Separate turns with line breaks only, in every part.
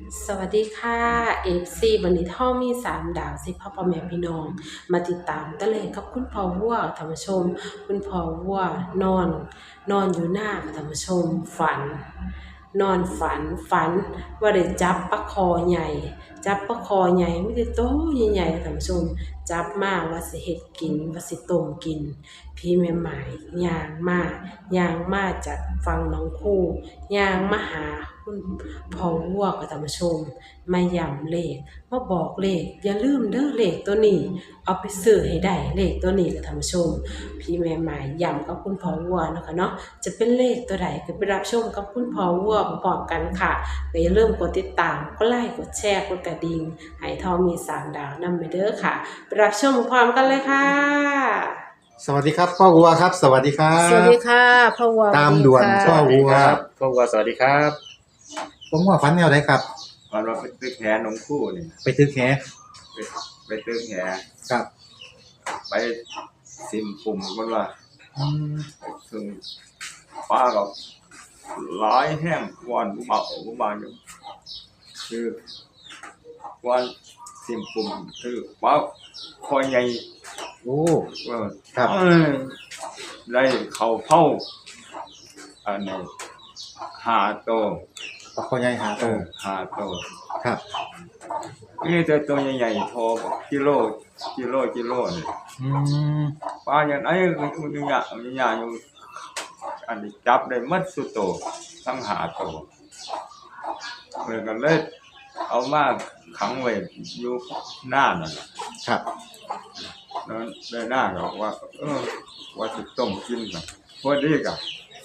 สวัสดีค่ะFC วันนี้ท่อมี3 ดาวสิพ่อแม่พี่น้องมาติดตามตะเลงกับคุณพ่อวัวท่านผู้ชมคุณพ่อวัวนอนอยู่หน้าท่านผู้ชมนอนฝันว่าได้จับปลาคอใหญ่จับปลาคอใหญ่ไม่ได้โตใหญ่ๆท่านผู้ชมจับมาว่าสิเฮ็ดกินว่าสิต้มกินพี่แม่หมายย่างมาจากฝั่งหนองคูย่างมาหาคุณพ่อวัวกับท่านผู้ชมมาย้ำเลขมาบอกเลขอย่าลืมเด้อเลขตัวนี้เอาไปซื้อให้ได้เลขตัวนี้กับท่านผู้ชมพี่แม่หมายย้ำกับคุณพ่อวัวเนาะค่ะเนาะจะเป็นเลขตัวใดก็ไปรับชมกับคุณพ่อวัวพร้อมๆกันค่ะก็อย่าลืมกดติดตามกดไลค์กดแชร์กดกระดิ่งให้ทองมี3 ดาวนำไปเด้อค่ะไปรับชมพร้อมกันเลยค่ะ
สวัสดีครับพ่อวัวครับสวัสดีครั
สวัสดี
บ
ค่ะพ่อวัว
ตามด่วน
สวัสดีค่ะ
พ่อวัว
พ่อวัวสวัสดีครับ
ผมว่าฝันแนวไหนครับ
วันเราไปตึกแหนมคู่นี่
ไปตึกแห
ไปตึกแห
ครับ
ไปซิมปุ่มมันว่า
อืม
ซึ่งป้ากับหลายแห้งวันบุบาอยู่คือวันซิมปุ่มคือป้าคอยใหญ่
โอ้
เออ
ครับ
ได้เข่าเผาอันนี้5 โตว
ปลาคอใหญ่หาโต
5 โตว
ครับ
นี่ตัวใหญ่ๆโทกิโลนี่
อืม
ปลาอย่างไรมันอยู่อันนี้จับได้หมัดสุดโตทั้ง5 โตเหมือนกันเลยเอามาขังไว้อยู่หน้านั่นแหละ
ครับ
แล้วได้หน้าก็ว่าว่าจะต้มกินกันพอดีกับ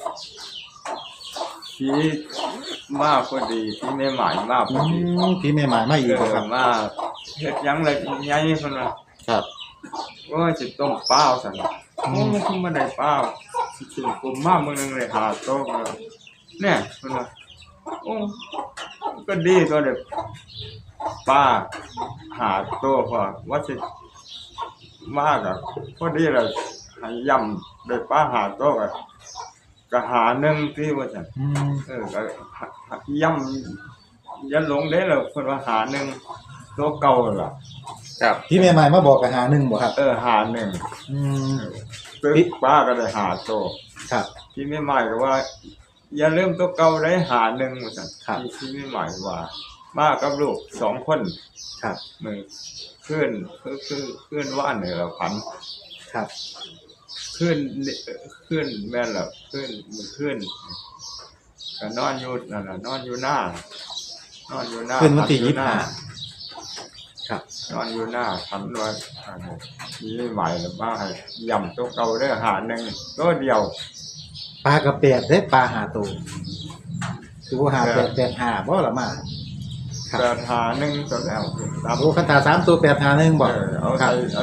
ที่มาพอดีที่ไม่หมายมาพ
อื
อดี
มพี่แม่หมายมาอีกบ่ครับ
มาเฮ็ดหยังเลยใหญ่เพิ่นว่า
ครับ
ว่าจะต้มเปล่าสั่นน่ะโอ้มันคือบ่ได้เปล่าสิกินกลุ่มมามื้อนึงเลย5 โต๊ะเนี่ยเพิ่นว่าโอ้ก็ดีตัวเด้อป้า5 โต๊ะพอว่าสิมาก็พอดีแล้วให้ย่ำได้ปลา5 โต๊ะก็หาหนึ่งที่ว่าซั่น
อืม
ก็ย่ำยันหลงได้แล้วเพิ่นว่าหาหนึ่งตัวเก่าล่ะ
ครับพี่แม่หมายมาบอกกับหาหนึ่งบ่ครับ
หาหนึ่ง
อืม
ตึกป้าก็ได้หาโตว
ครับ
ที่ไม่หมายก็ว่า อย่าลืมตัวเก่าได้หาหนึ่งว่าซั่น
ครับ
ที่ไม่หมายว่ามากับลูก2 คน
ครับ
มือขึ้นว่านนี่ล่ะพัน
ครับ
ขึ้นแม่นล่ะขึ้นก็นอนอยู่นั่นน่ะนอนอยู่หน้า
ขึ้นวันที่
พัอยู่หน้า
25ครับ
นอนอยู่หน้าพันว่านี่ใหม่หรือว่าให้ย่ำตัวเก่าได้หาหนึ่งตัวเดียว
ปลากระแปดได้ปลาหาโตคือว่าหาแปดหาบ่ละมาครับ
แต่หาหนึ่งตัวแล้วตาม
โอ้คันตา3ตัว8หา1บ่
เอา
ครั
ใส่
บ
เอา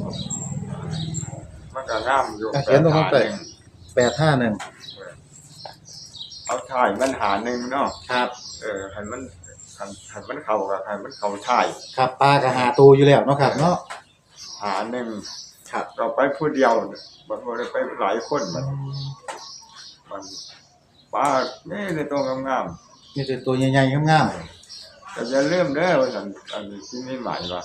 มันก็งามอยู่
เขียนตรงนั้นไป 851
เอาถ่ายมันหาหนึ่งเนาะ
ครับ
ให้มันเข้ากับให้มันเข้าถ่าย
ครับปลากระหาตัวอยู่แล้วเนาะครับเนาะ
หาหนึ่ง
ครับ
เราไปผู้เดียวบางคนไปหลายคนมันป้านี่ในตัวงาม
มีแต่ตัวใหญ่ๆงาม
ๆแต่อย่าลืมเด้อว่าซั่นอันนี้ที่ไม่หมายว่า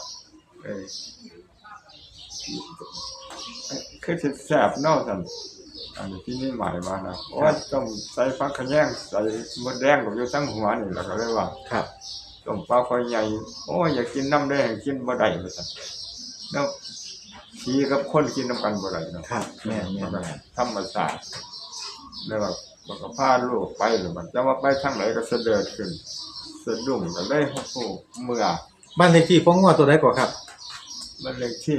คือสิแซ่บเนาะซั่นอันนี้ที่ไม่หมายว่านะเพราะว่าต้องใส่ฟักขะแยงใส่มดแดงกับอยู่ทั้งหัวนี่แล้วก็เลยว่า
ๆครับ
ต้มปลาคอยใหญ่โอ้ยอยากกินน้ำแดงกินบ่ได้ว่าซั่นแล้วผีกับคนกินน้ำกันบ่ได้เนาะ
ครับแม่น
ธรรมชาติแล้วแบบมันก็พาลูกไปหรือมันจะว่าไปทางไหนก็เสด็จขึ้นสะดุ้งก็เลยโอ้โหเมื่อ
ๆบ้านเลขที่พ่องัวตัวใดก่อนครับ
มันเลขที่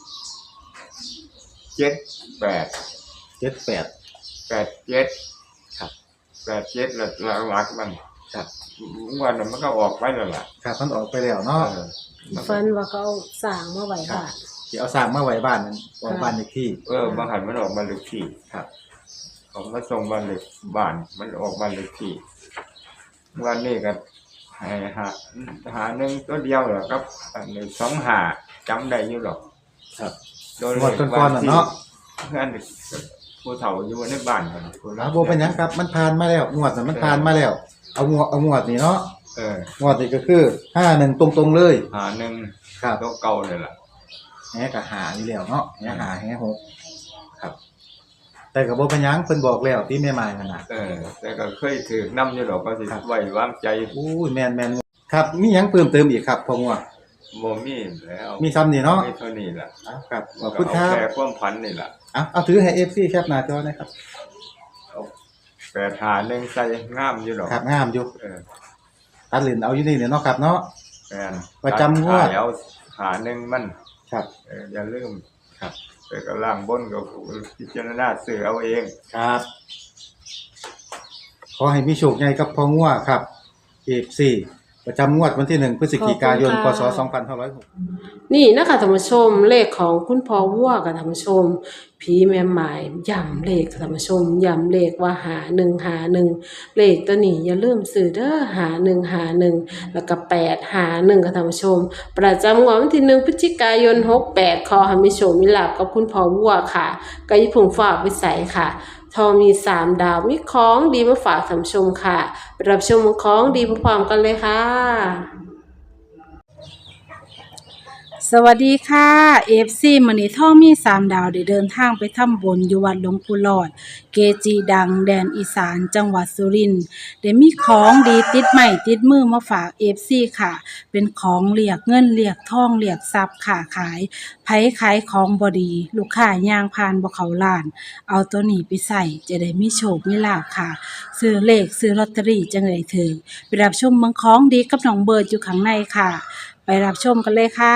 78
78
87
ครับ
87แล้วหลักมัน
ครับ
วันนั้นมันก็ออกไปแล้วล่ะ
ครับมันออกไปแล้วเนาะ
ฝันว่าเขาเอาสร้างมาไว้
ครับ
บ้าน
สิเอาสร้างมาไว้บ้านนั้นออกบ้านเลขที่
บางหันมันออกมาเลขที่
ครับ
เขามาส่งบ้านเลขบ้านมันออกบ้านเลขที่วันนี้ก็ให้หาหนึ่งตัวเดียวเหรอครับอันนี้2 หาจำได้อยู่หรอก
ครับ
โดย
งวดก่อนๆน่ะเนาะ
เพื่อนผู้เฒ่าอยู่ในบ้านกันผู้
บ่เป็นหยังครับมันผ่านมาแล้วงวดนั้นมันผ่านมาแล้วเอางวดนี่เนาะงวดนี้ก็คือ51ตรงๆเลย
หาหนึ่ง
ครับ
ตัวเก่าเลยล่ะ
แหก็หาอยู่แล้วเนาะแหหาแหหกครับ แต่ก็บ่เป็นหยังเพิ่นบอกแล้วที่แม่ไม้นั่นน่ะ
แต่ก็เคยถือน้ำอยู่ดอกก็สิไว้วางใจ
อู้ยแม่นๆครับมีหยังเพิ่มเติมอีกครับพ่องัว
บ่มีแล้ว
มีซ้ำนี่เนาะ
มีเท่านี้ล่ะ
ครับขอบคุณค
ก็
รั
เอา
บ
แค่ความพันนี่ล่ะ
เอาถือให้ FC แคปหน้าจอหนะครับ
เอา8หาหนึ่งใส่งามอยู่ดอก
ครับงามอยู่
เออ
ตัดเหรียญเอาอยู่นี่เนี่ยเนาะครับเนาะ
แม่น
ประจำงวด
แล้วหาหนึ่งมัน
ครับ
อย่าลืม
ครับ
แต่ก็ล่างบนก็พิจารณาซื้อเอาเอง
ครับ ขอให้มีโชคใหญ่กับพ่องัวครับ FC ประจำงวดวันที่1พฤศจิกายนพศ2506
นี่นะคะท่านผู้ชมเลขของคุณพ่อวัวกับท่านผู้ชมผีแม่หมายย้ำเลขค่ะท่านผู้ชมย้ำเลขว่าหา1เลขตัวนี้อย่าลืมซื้อเด้อหา1แล้วก็8หา1ค่ะท่านผู้ชมประจำงวดวันที่1พฤศจิกายน68ขอให้มีโชคมีลาภกับคุณพ่อวัวค่ะก็อย่าเพิ่งฝากไว้ใส่ค่ะทอมี3ดาวมีของดีมาฝากท่านผู้ชมค่ะไปรับชมของดีพร้อมๆกันเลยค่ะ
สวัสดีค่ะ FC มื้อนี้ท่อมี3ดาวได้เดินทางไปทำบุญอยู่วัดหลวงปู่หลอด เกจิดังแดนอีสานจังหวัดสุรินทร์ได้มีของดีติดไม้ติดมือมาฝาก FC ค่ะ เป็นของเรียกเงินเรียกทองเรียกทรัพย์ค่ะขายไผขายของบ่ดีลูกค้าย่างผ่านบ่เข้าร้าน เอาตัวนี้ไปใส่จะได้มีโชคมีลาภค่ะ ซื้อเลขซื้อลอตเตอรี่จังได้ถึงไปรับชมเมืองของดีกับน้องเบิร์ดอยู่ข้างในค่ะ ไปรับชมกันเลยค่ะ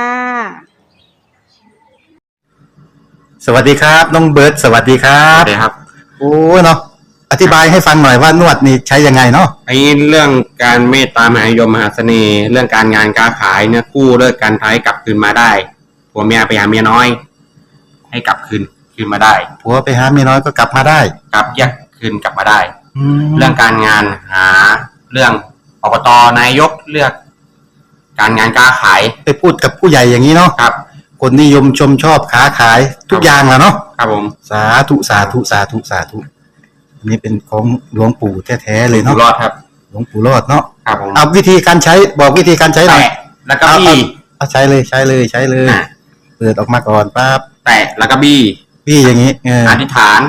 สวัสดีครับน้องเบิร์ดสวัสดีครั
ครับ บครับ
โอ้เนาะอธิบายให้ฟังหน่อยว่านวดนี่ใช้ยังไงเนาะ
ไอ้เรื่องการเมตตามหานิยมมหาเสน่ห์ เรื่องการงานการขายเนี่ยกู้เลิกการท้ายกลับคืนมาได้ผัวเมียไปหาเมียน้อย ให้กลับคืนมาได้
ผัวไปหาเมียน้อยก็กลับมาได้
กลับแยกคืนกลับมาได้
แล้
เรื่
ว
องการงานหาเรื่องอบตนายกเลือก การงานการขาย
ไปพูดกับผู้ใหญ่อย่างนี้เนาะ
ครับ
คนนิยมชมชอบค้าขายทุกอย่างแหละเนาะ
ครับผม
สาธุสาธุสาธุสาธุอันนี้เป็นของหลวงปู่แท้ๆเลย
อยู่
เนาะ
รอดครับ
หลวงปู่รอดเนาะ
ครับผม
เอาวิธีการใช้บอกวิธีการใช้หน่อย
แตะแล้วก็บี้
เอาใช้เลยใช้เลยใช้เลย
อ่ะ
เปิดออกมาก่อนปั๊บ
แตะแล้วก็บี้
พี่อย่างนี้
อธิษฐาน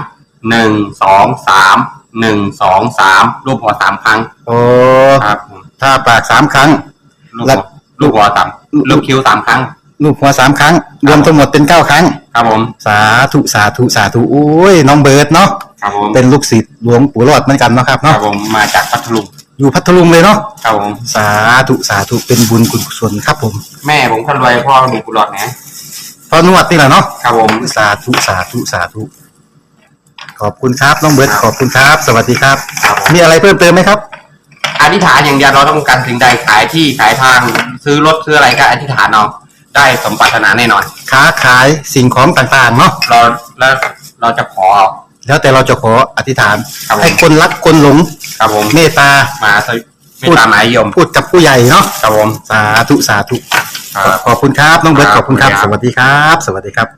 1 2 3 1 2 3รูปหัว3ครั้ง
โอ้
ครับผม
ถ้าปาก3 ครั้ง
ลูกหัวลูกหัวสามลูกคิ้ว3ครั้ง
ลูกหัว3 ครั้ง รวมทั้งหมดเป็น9 ครั้ง
ครับผม
สาธุสาธุสาธุโอ้ยน้องเบิร์ดเนาะ
ครับผม
เป็นลูกศิษย์หลวงปู่รอดเหมือนกันเนาะครับ
ครั
เนาะ
บผมมาจากพัทลุง
อยู่พัทลุงเลยเนาะ
ครับผม
สาธุสาธุเป็นบุญกุศลครับผม
แม่ผมคนรวยพ่อมีกุหลาบนะ
พอนวดนี่แหละเนาะ
ครับผม
สาธุสาธุสาธุขอบคุณครับน้องเบิร์ดขอบคุณครับ สวัสดีครับ
ครับผม
มีอะไรเพิ่มเติมไหมครับ
อธิษฐานอย่างเดียวเราต้องการสิ่งใดขายที่ขายทางซื้อรถซื้ออะไรก็อธิษฐานเอาได้สมปรารถนาแน่นอน
ค้าขายสิ่งของต่างๆเนาะ
เราจะขอ
แล้วแต่เราจะขออธิษฐาน
ครับผม
ให้คนรักคนหลง
ครับผม
เมตตา
มาไม่ตามหมายยม
พูดกับผู้ใหญ่เนาะ
ครับผม
สาธุสาธุ
ครับ
ขอบคุณครับน้องเบิร์ต
ค
ข
รับ
อบคุณครับ
ขอบ
ส
คุณครับ
วัสดีครับ สวัสดีครับ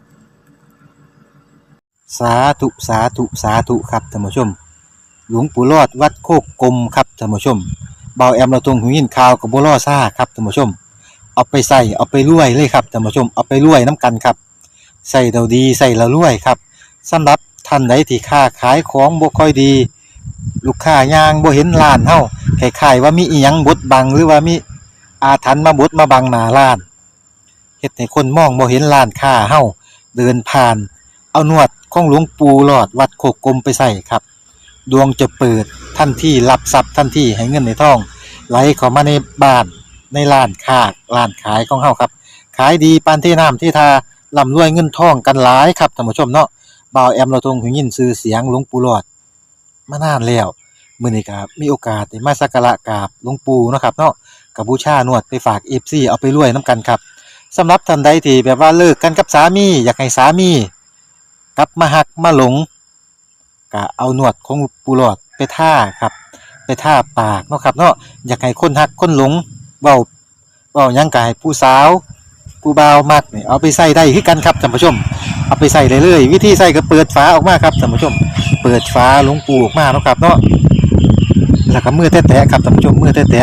สาธุสาธุสาธุครับท่านผู้ชม หลวงปู่รอดวัดโคกกลมครับท่านผู้ชมเบาแอมเราตรงหูยินข่าวกับบัวล่อซ่าครับท่านผู้ชม เอาไปใส่เอาไปรวยเลยครับท่านผู้ชมเอาไปรวยน้ำกันครับใส่เราดีใส่เรารวยครับสำหรับท่านใดที่ค้าขายของบ่ค่อยดี ลูกค้ายางบ่เห็นร้านเฮาคล้ายๆว่ามีอีหยังบดบังหรือว่ามีอาถรรพ์มาบดมาบังหน้าร้านเฮ็ดให้คนมองบ่เห็นร้านค้าเฮาเดินผ่าน เอานวดของหลวงปู่หลอดวัดโคกกลมไปใส่ครับดวงจะเปิดทันทีรับทรัพย์ทันทีให้เงินในท้องไหลเข้ามาในบ้านในร้านค้าร้านขายของเฮาครับขายดีปานที่น้ำที่ทาร่ำรวยเงินทองกันหลายครับท่านผู้ชมเนาะบ่าวแอมเราทรงหูยินชื่อเสียงหลวงปู่หลอดมานานแล้วมื้อนี้ก็มีโอกาสได้มาสักการะกราบหลวงปู่เนาะครับเนาะก็บูชานวดไปฝาก FC เอาไปรวยนํกันครับสำหรับท่านใดที่แบบว่าเลิกกันกับสามีอยากให้สามีกลับมาหักมาหลงก็เอานวดของปู่หลอดไปท่าครับไปท่าปากเนาะครับเนาะอยากให้คนหักคนหลงเว้าหยังก็ให้ผู้สาวผู้บ่าวมักนี่เอาไปใส่ได้คือกันครับท่านผู้ชมเอาไปใส่ได้เลยวิธีใส่ก็เปิดฝาออกมาครับท่านผู้ชมเปิดฝาหลวงปู่ออกมาเนาะครับเนาะแล้วก็มือแตะๆครับท่านผู้ชมมือแตะ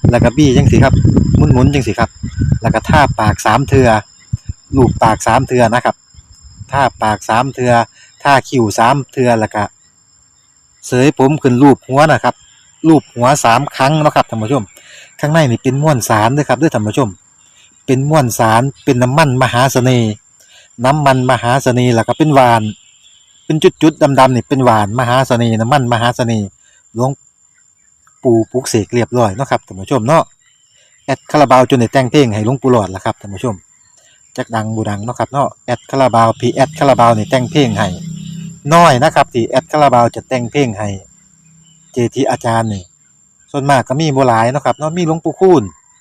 แล้วก็บี้จังสิครับหมุนๆจังสิครับแล้วก็ท่าปาก3เทื่อลูบปาก3เทื่อนะครับท่าปาก3เทื่อท่าคิ้ว3เทื่อแล้วก็เสยผมขึ้นรูปหัวนะครับรูปหัว3ครั้งเนาะครับท่านผู้ชมข้างในนี่เป็นม้วนสารเด้อครับเด้อท่านผู้ชมเป็นม้วนสารเป็นน้ำมันมหาเสน่ห์น้ำมันมหาเสน่ห์แล้วก็เป็นหวานเป็นจุดๆดำๆนี่เป็นหวานมหาเสน่ห์น้ำมันมหาเสน่ห์หลวงปู่ปลุกเสกเรียบร้อยเนาะครับท่านผู้ชมเนาะ แอดคาราบาวจนได้แต่งเพลงให้หลวงปู่หลอดล่ะครับท่านผู้ชมจักดังบูดังเนาะครับเนาะแอดคาราบาวพีแอดคาราบาวนี่แต่งเพลงให้น้อยนะครับที่แอดคาราบาวจะแต่งเพลงให้เจทีอาจารย์นี่ส่วนมากก็มีบ่หลายเนาะครับเนาะมีหลวงปู่คูณ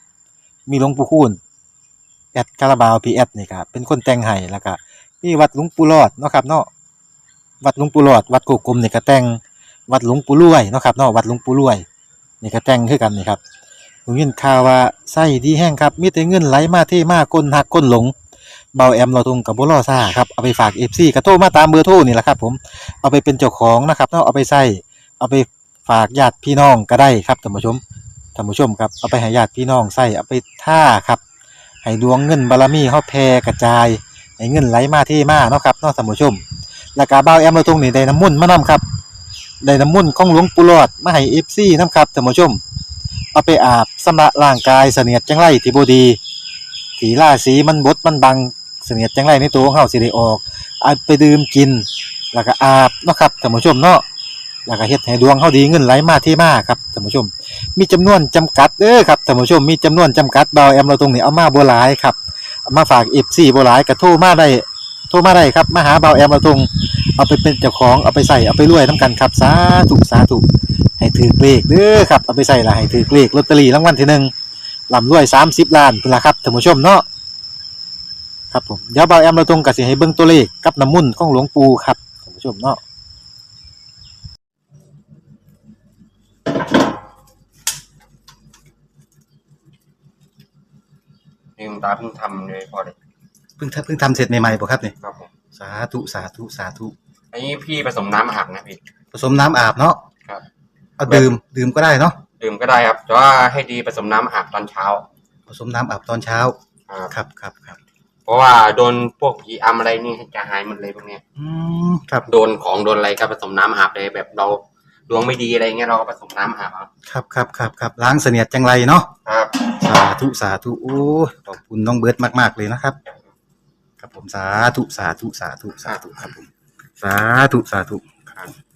แอดคาราบาวพีแอดนี่ครับเป็นคนแต่งให้แล้วก็มีวัดหลวงปู่หลอดเนาะครับเนาะวัดหลวงปู่หลอดวัดโกกลมนี่ก็แต่งวัดหลวงปู่รวยเนาะครับเนาะวัดหลวงปู่รวยนี่ก็แต่งคือกันนี่ครับ ผมยินข่าวว่าไส้ดีแห้งครับมีแต่เงินไหลมาเทมาก้นหักก้นหลงเบาแอมเราตรงกับบ่รอซ่าครับเอาไปฝาก FC ก็โทรมาตามเบอร์โทรนี่แหละครับผมเอาไปเป็นเจ้าของนะครับเนาะเอาไปใส่เอาไปฝากญาติพี่น้องก็ได้ครับท่านผู้ชมครับเอาไปให้ญาติพี่น้องใส่เอาไปท่าครับให้ดวงเงินบารมีเฮาแผ่กระจายให้เงินไหลมาเทมาเนาะครับเนาะท่านผู้ชมแล้วก็เบาแอมเราตรงนี่ได้น้ำมนต์มานํครับได้น้ำมนต์ของหลวงปู่หลอดมาให้ FC นํครับท่านผู้ชม เอาไปอาบชำระร่างกายเสนียดจังไรที่บ่ดีที่ราศีมันบดมันบังเสนียดจังไรในตัวของเฮาสิได้ออกเอาไปดื่มกินแล้วก็อาบเนาะครับท่านผู้ชมเนาะแล้วก็เฮ็ดให้ดวงเฮาดีเงินไหลมาเทมาครับท่านผู้ชมมีจำนวนจำกัดเด้อครับท่านผู้ชมมีจำนวนจำกัดเบาแอมเราตรงนี้เอามาบ่หลายครับเอามาฝาก FC บ่หลายก็โทรมาได้ครับมาหาเบาแอมเราตรงเอาไปเป็นเจ้าของเอาไปใส่เอาไปรวยนํกันครับสาธุให้ถือเลขเด้อครับเอาไปใส่ละให้ถือเลขลอตเตอรี่รางวัลที่หนึ่งลำรวย30 ล้านพุ่นล่ะครับท่านผู้ชมเนาะครับผมเดี๋ยวเบาแอมเราตรงก็สิให้เบิ่งตัวเลขกับน้ำมุ่นต์ของหลวงปู่ครับท่านผู้ชมเนาะ
นี่คุณตาเพิ่งทำเลยพอเลย
เพิ่งทำเสร็จใหม่ๆบ่ครับนี่
ครับผม
สาธุ
อันนี้พี่ผสมน้ำอาบนะพี่
ผสมน้ำอาบเนาะ
ครับ
เอาดื่มก็ได้เนาะ
ดื่มก็ได้ครับแต่ว่าให้ดีผสมน้ำอาบตอนเช้า
ผสมน้ำอาบตอนเช้าครับ
เพราะว่าโดนพวกผีอำอะไรนี่จะหายหมดเลยพวกเนี้ย
ครับ
โดนของโดนอะไรก็ผสมน้ำอาบเลยแบบเราดวงไม่ดีอะไรเงี้ยเราก็ผสมน้ำอาบ
ครับล้างเสนียดจังไรเนาะ
ครับ
สาธุโอ้ขอบคุณน้องเบิร์ดมากๆเลยนะครับครับผมสาธุครับผมสาธุครับ